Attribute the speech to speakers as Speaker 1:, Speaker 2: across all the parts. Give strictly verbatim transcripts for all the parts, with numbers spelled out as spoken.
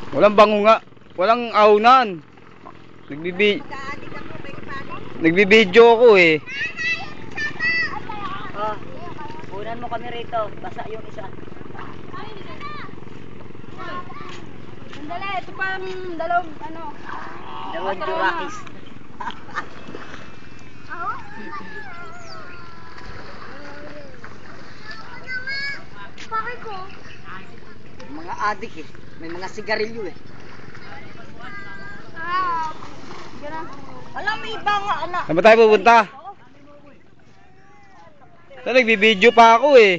Speaker 1: Walang bango nga. Walang aunan. Nagbibi Nagbibideo ako eh.
Speaker 2: Oh, unan mo kami rito. Basa yung isa.
Speaker 3: Sandali, ito pang dalawang ano.
Speaker 2: Dalawang jurakis.
Speaker 3: Bakit ko?
Speaker 2: Mga adik eh. May mga sigarilyo eh.
Speaker 3: Ah. Gana.
Speaker 2: Alam mo iba nga anak.
Speaker 1: Saan ba tayo pupunta? Saan nagbibideo pa ako eh.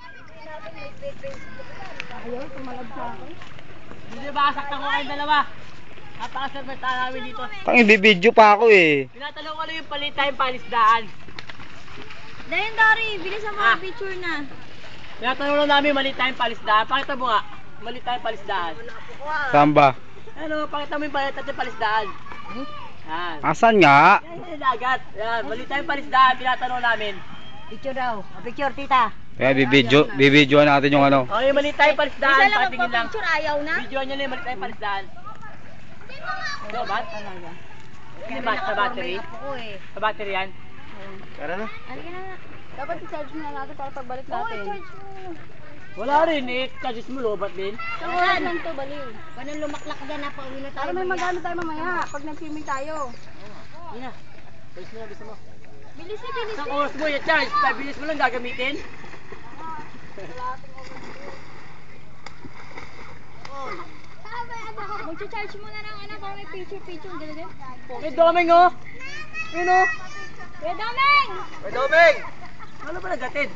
Speaker 3: Ayaw, tumalab sa akin.
Speaker 2: Hindi ba saktan ko kayong dalawa? Napakasarmenta namin dito.
Speaker 1: Tang nagbibideo pa ako eh.
Speaker 2: Tinatanong ko lang yung palit tayong palisdaan.
Speaker 3: Dahil Dari, bilisan mo
Speaker 2: Ah.
Speaker 3: ang picture na.
Speaker 2: Tinatanong lang namin mali tayong palisdaan. Pakita mo nga. Mali tayong palisdaan.
Speaker 1: Saan ba?
Speaker 2: Ano, pakita mo yung palit tayong palisdaan. Yan.
Speaker 1: Asan nga?
Speaker 2: Yan yung dagat. Yan, mali tayong palisdaan. Tinatanong namin. Picture daw. Picture, tita.
Speaker 1: Kaya bibideo, bibidyoan natin yung ano.
Speaker 2: Okay, mali tayong palisdaan.
Speaker 3: Isa lang
Speaker 2: Patingin lang.
Speaker 3: magpa-picture, ayaw na.
Speaker 2: Video nyo lang, mali tayong palisdaan. Ano, bat? Hindi ba sa battery? Sa battery yan?
Speaker 1: Tara na.
Speaker 3: Halika na nga. Dapat i-charge mo na natin para pagbalik natin. Oo, i-charge mo.
Speaker 2: Wala rin eh. Charges mo, lobat din.
Speaker 3: Saan lang to, baliw.
Speaker 4: Paano lumaklak dyan na pauwi na tayo?
Speaker 3: Para may magano tayo mamaya pag nag-swimming tayo.
Speaker 2: Yun na. Bilis mo na, bilis mo.
Speaker 3: Bilis na, bilis
Speaker 2: Isang
Speaker 3: na.
Speaker 2: oras mo yung charge. five minutes mo lang gagamitin.
Speaker 3: Mag-charge mo na ng ano para may picture-picture. Ang ganda din.
Speaker 2: May doming oh. Yun oh.
Speaker 3: Kuya Domeng!
Speaker 2: May doming! Ano ba nagatid?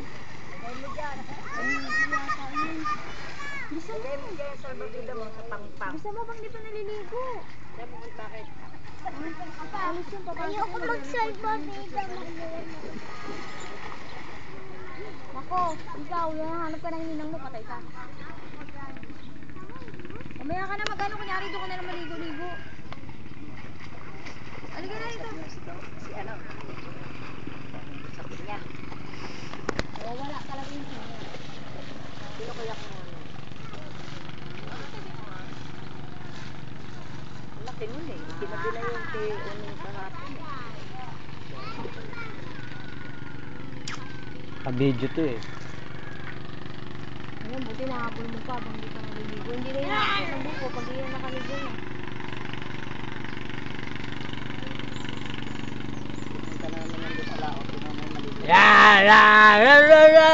Speaker 3: Bisa mo. Bisa mo bang dito naliligo?
Speaker 2: Bakit?
Speaker 3: Alis yung papasok.
Speaker 4: Ayoko mag-cellphone dito.
Speaker 3: Ako, ikaw, yung hanap ka ng ninang mo, patay ka. Mamaya ka na mag-ano, kunyari doon ka na lang maligo-ligo. Halika na ito.
Speaker 2: Si ano? Sakit niya.
Speaker 3: Oh, wala talaga yung siya.
Speaker 2: Sino kaya ko ano? Laki nun eh. Kinabi na yung kay ano kahapon.
Speaker 1: Ka-video to eh.
Speaker 3: Ayun, buti nahabol mo pa habang di ka naliligo. Hindi na yung ng buko pag di na nakaligo na.
Speaker 2: Punta na naman nandun sa laot. Tingnan mo yung maligo.
Speaker 1: Ya la la la la.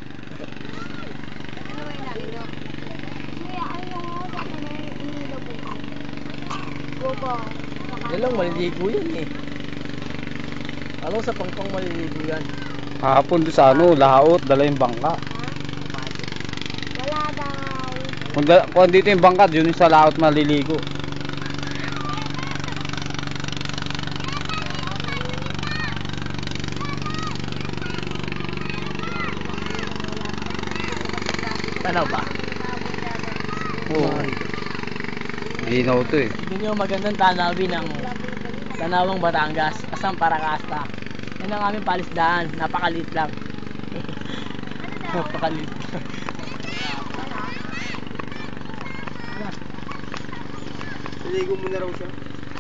Speaker 3: Ano ba yung naliligo? Kaya ayaw nga sa akin na inilo buko. Buko.
Speaker 2: Yan lang, maliligo yan eh. Ano sa pangpang maliligo yan?
Speaker 1: Hapon doon sa ano, laot, dala yung bangka.
Speaker 3: Wala daw.
Speaker 1: Kung, da, kung dito yung bangka, yun yung sa laot maliligo.
Speaker 2: Tanaw ba?
Speaker 1: Oo. Ginaw to eh.
Speaker 2: Hindi nyo magandang tanawin ng Tanawang Batangas, Asang Paracasta. Yan ang aming palisdaan, napakaliit lang. Napakaliit lang.
Speaker 1: Ligo mo na raw siya.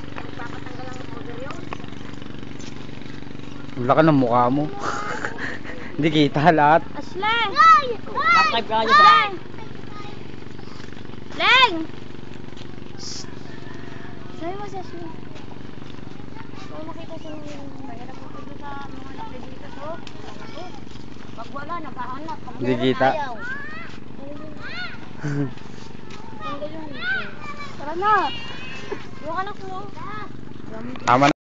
Speaker 1: Ang laki ng mukha mo. Hindi kita lahat.
Speaker 3: Asleng!
Speaker 2: Subscribe ka nyo sa
Speaker 3: Leng! Leng! Sabi mo si Asleng. Kung makita siya ng mahirap mo dito sa mga laki dito. So,
Speaker 4: Pag wala, naghahanap. Pag
Speaker 1: Hindi
Speaker 4: meron,
Speaker 1: kita.
Speaker 4: ayaw.
Speaker 3: tanggal yung Tara na! Yung anak mo.
Speaker 1: Tama na.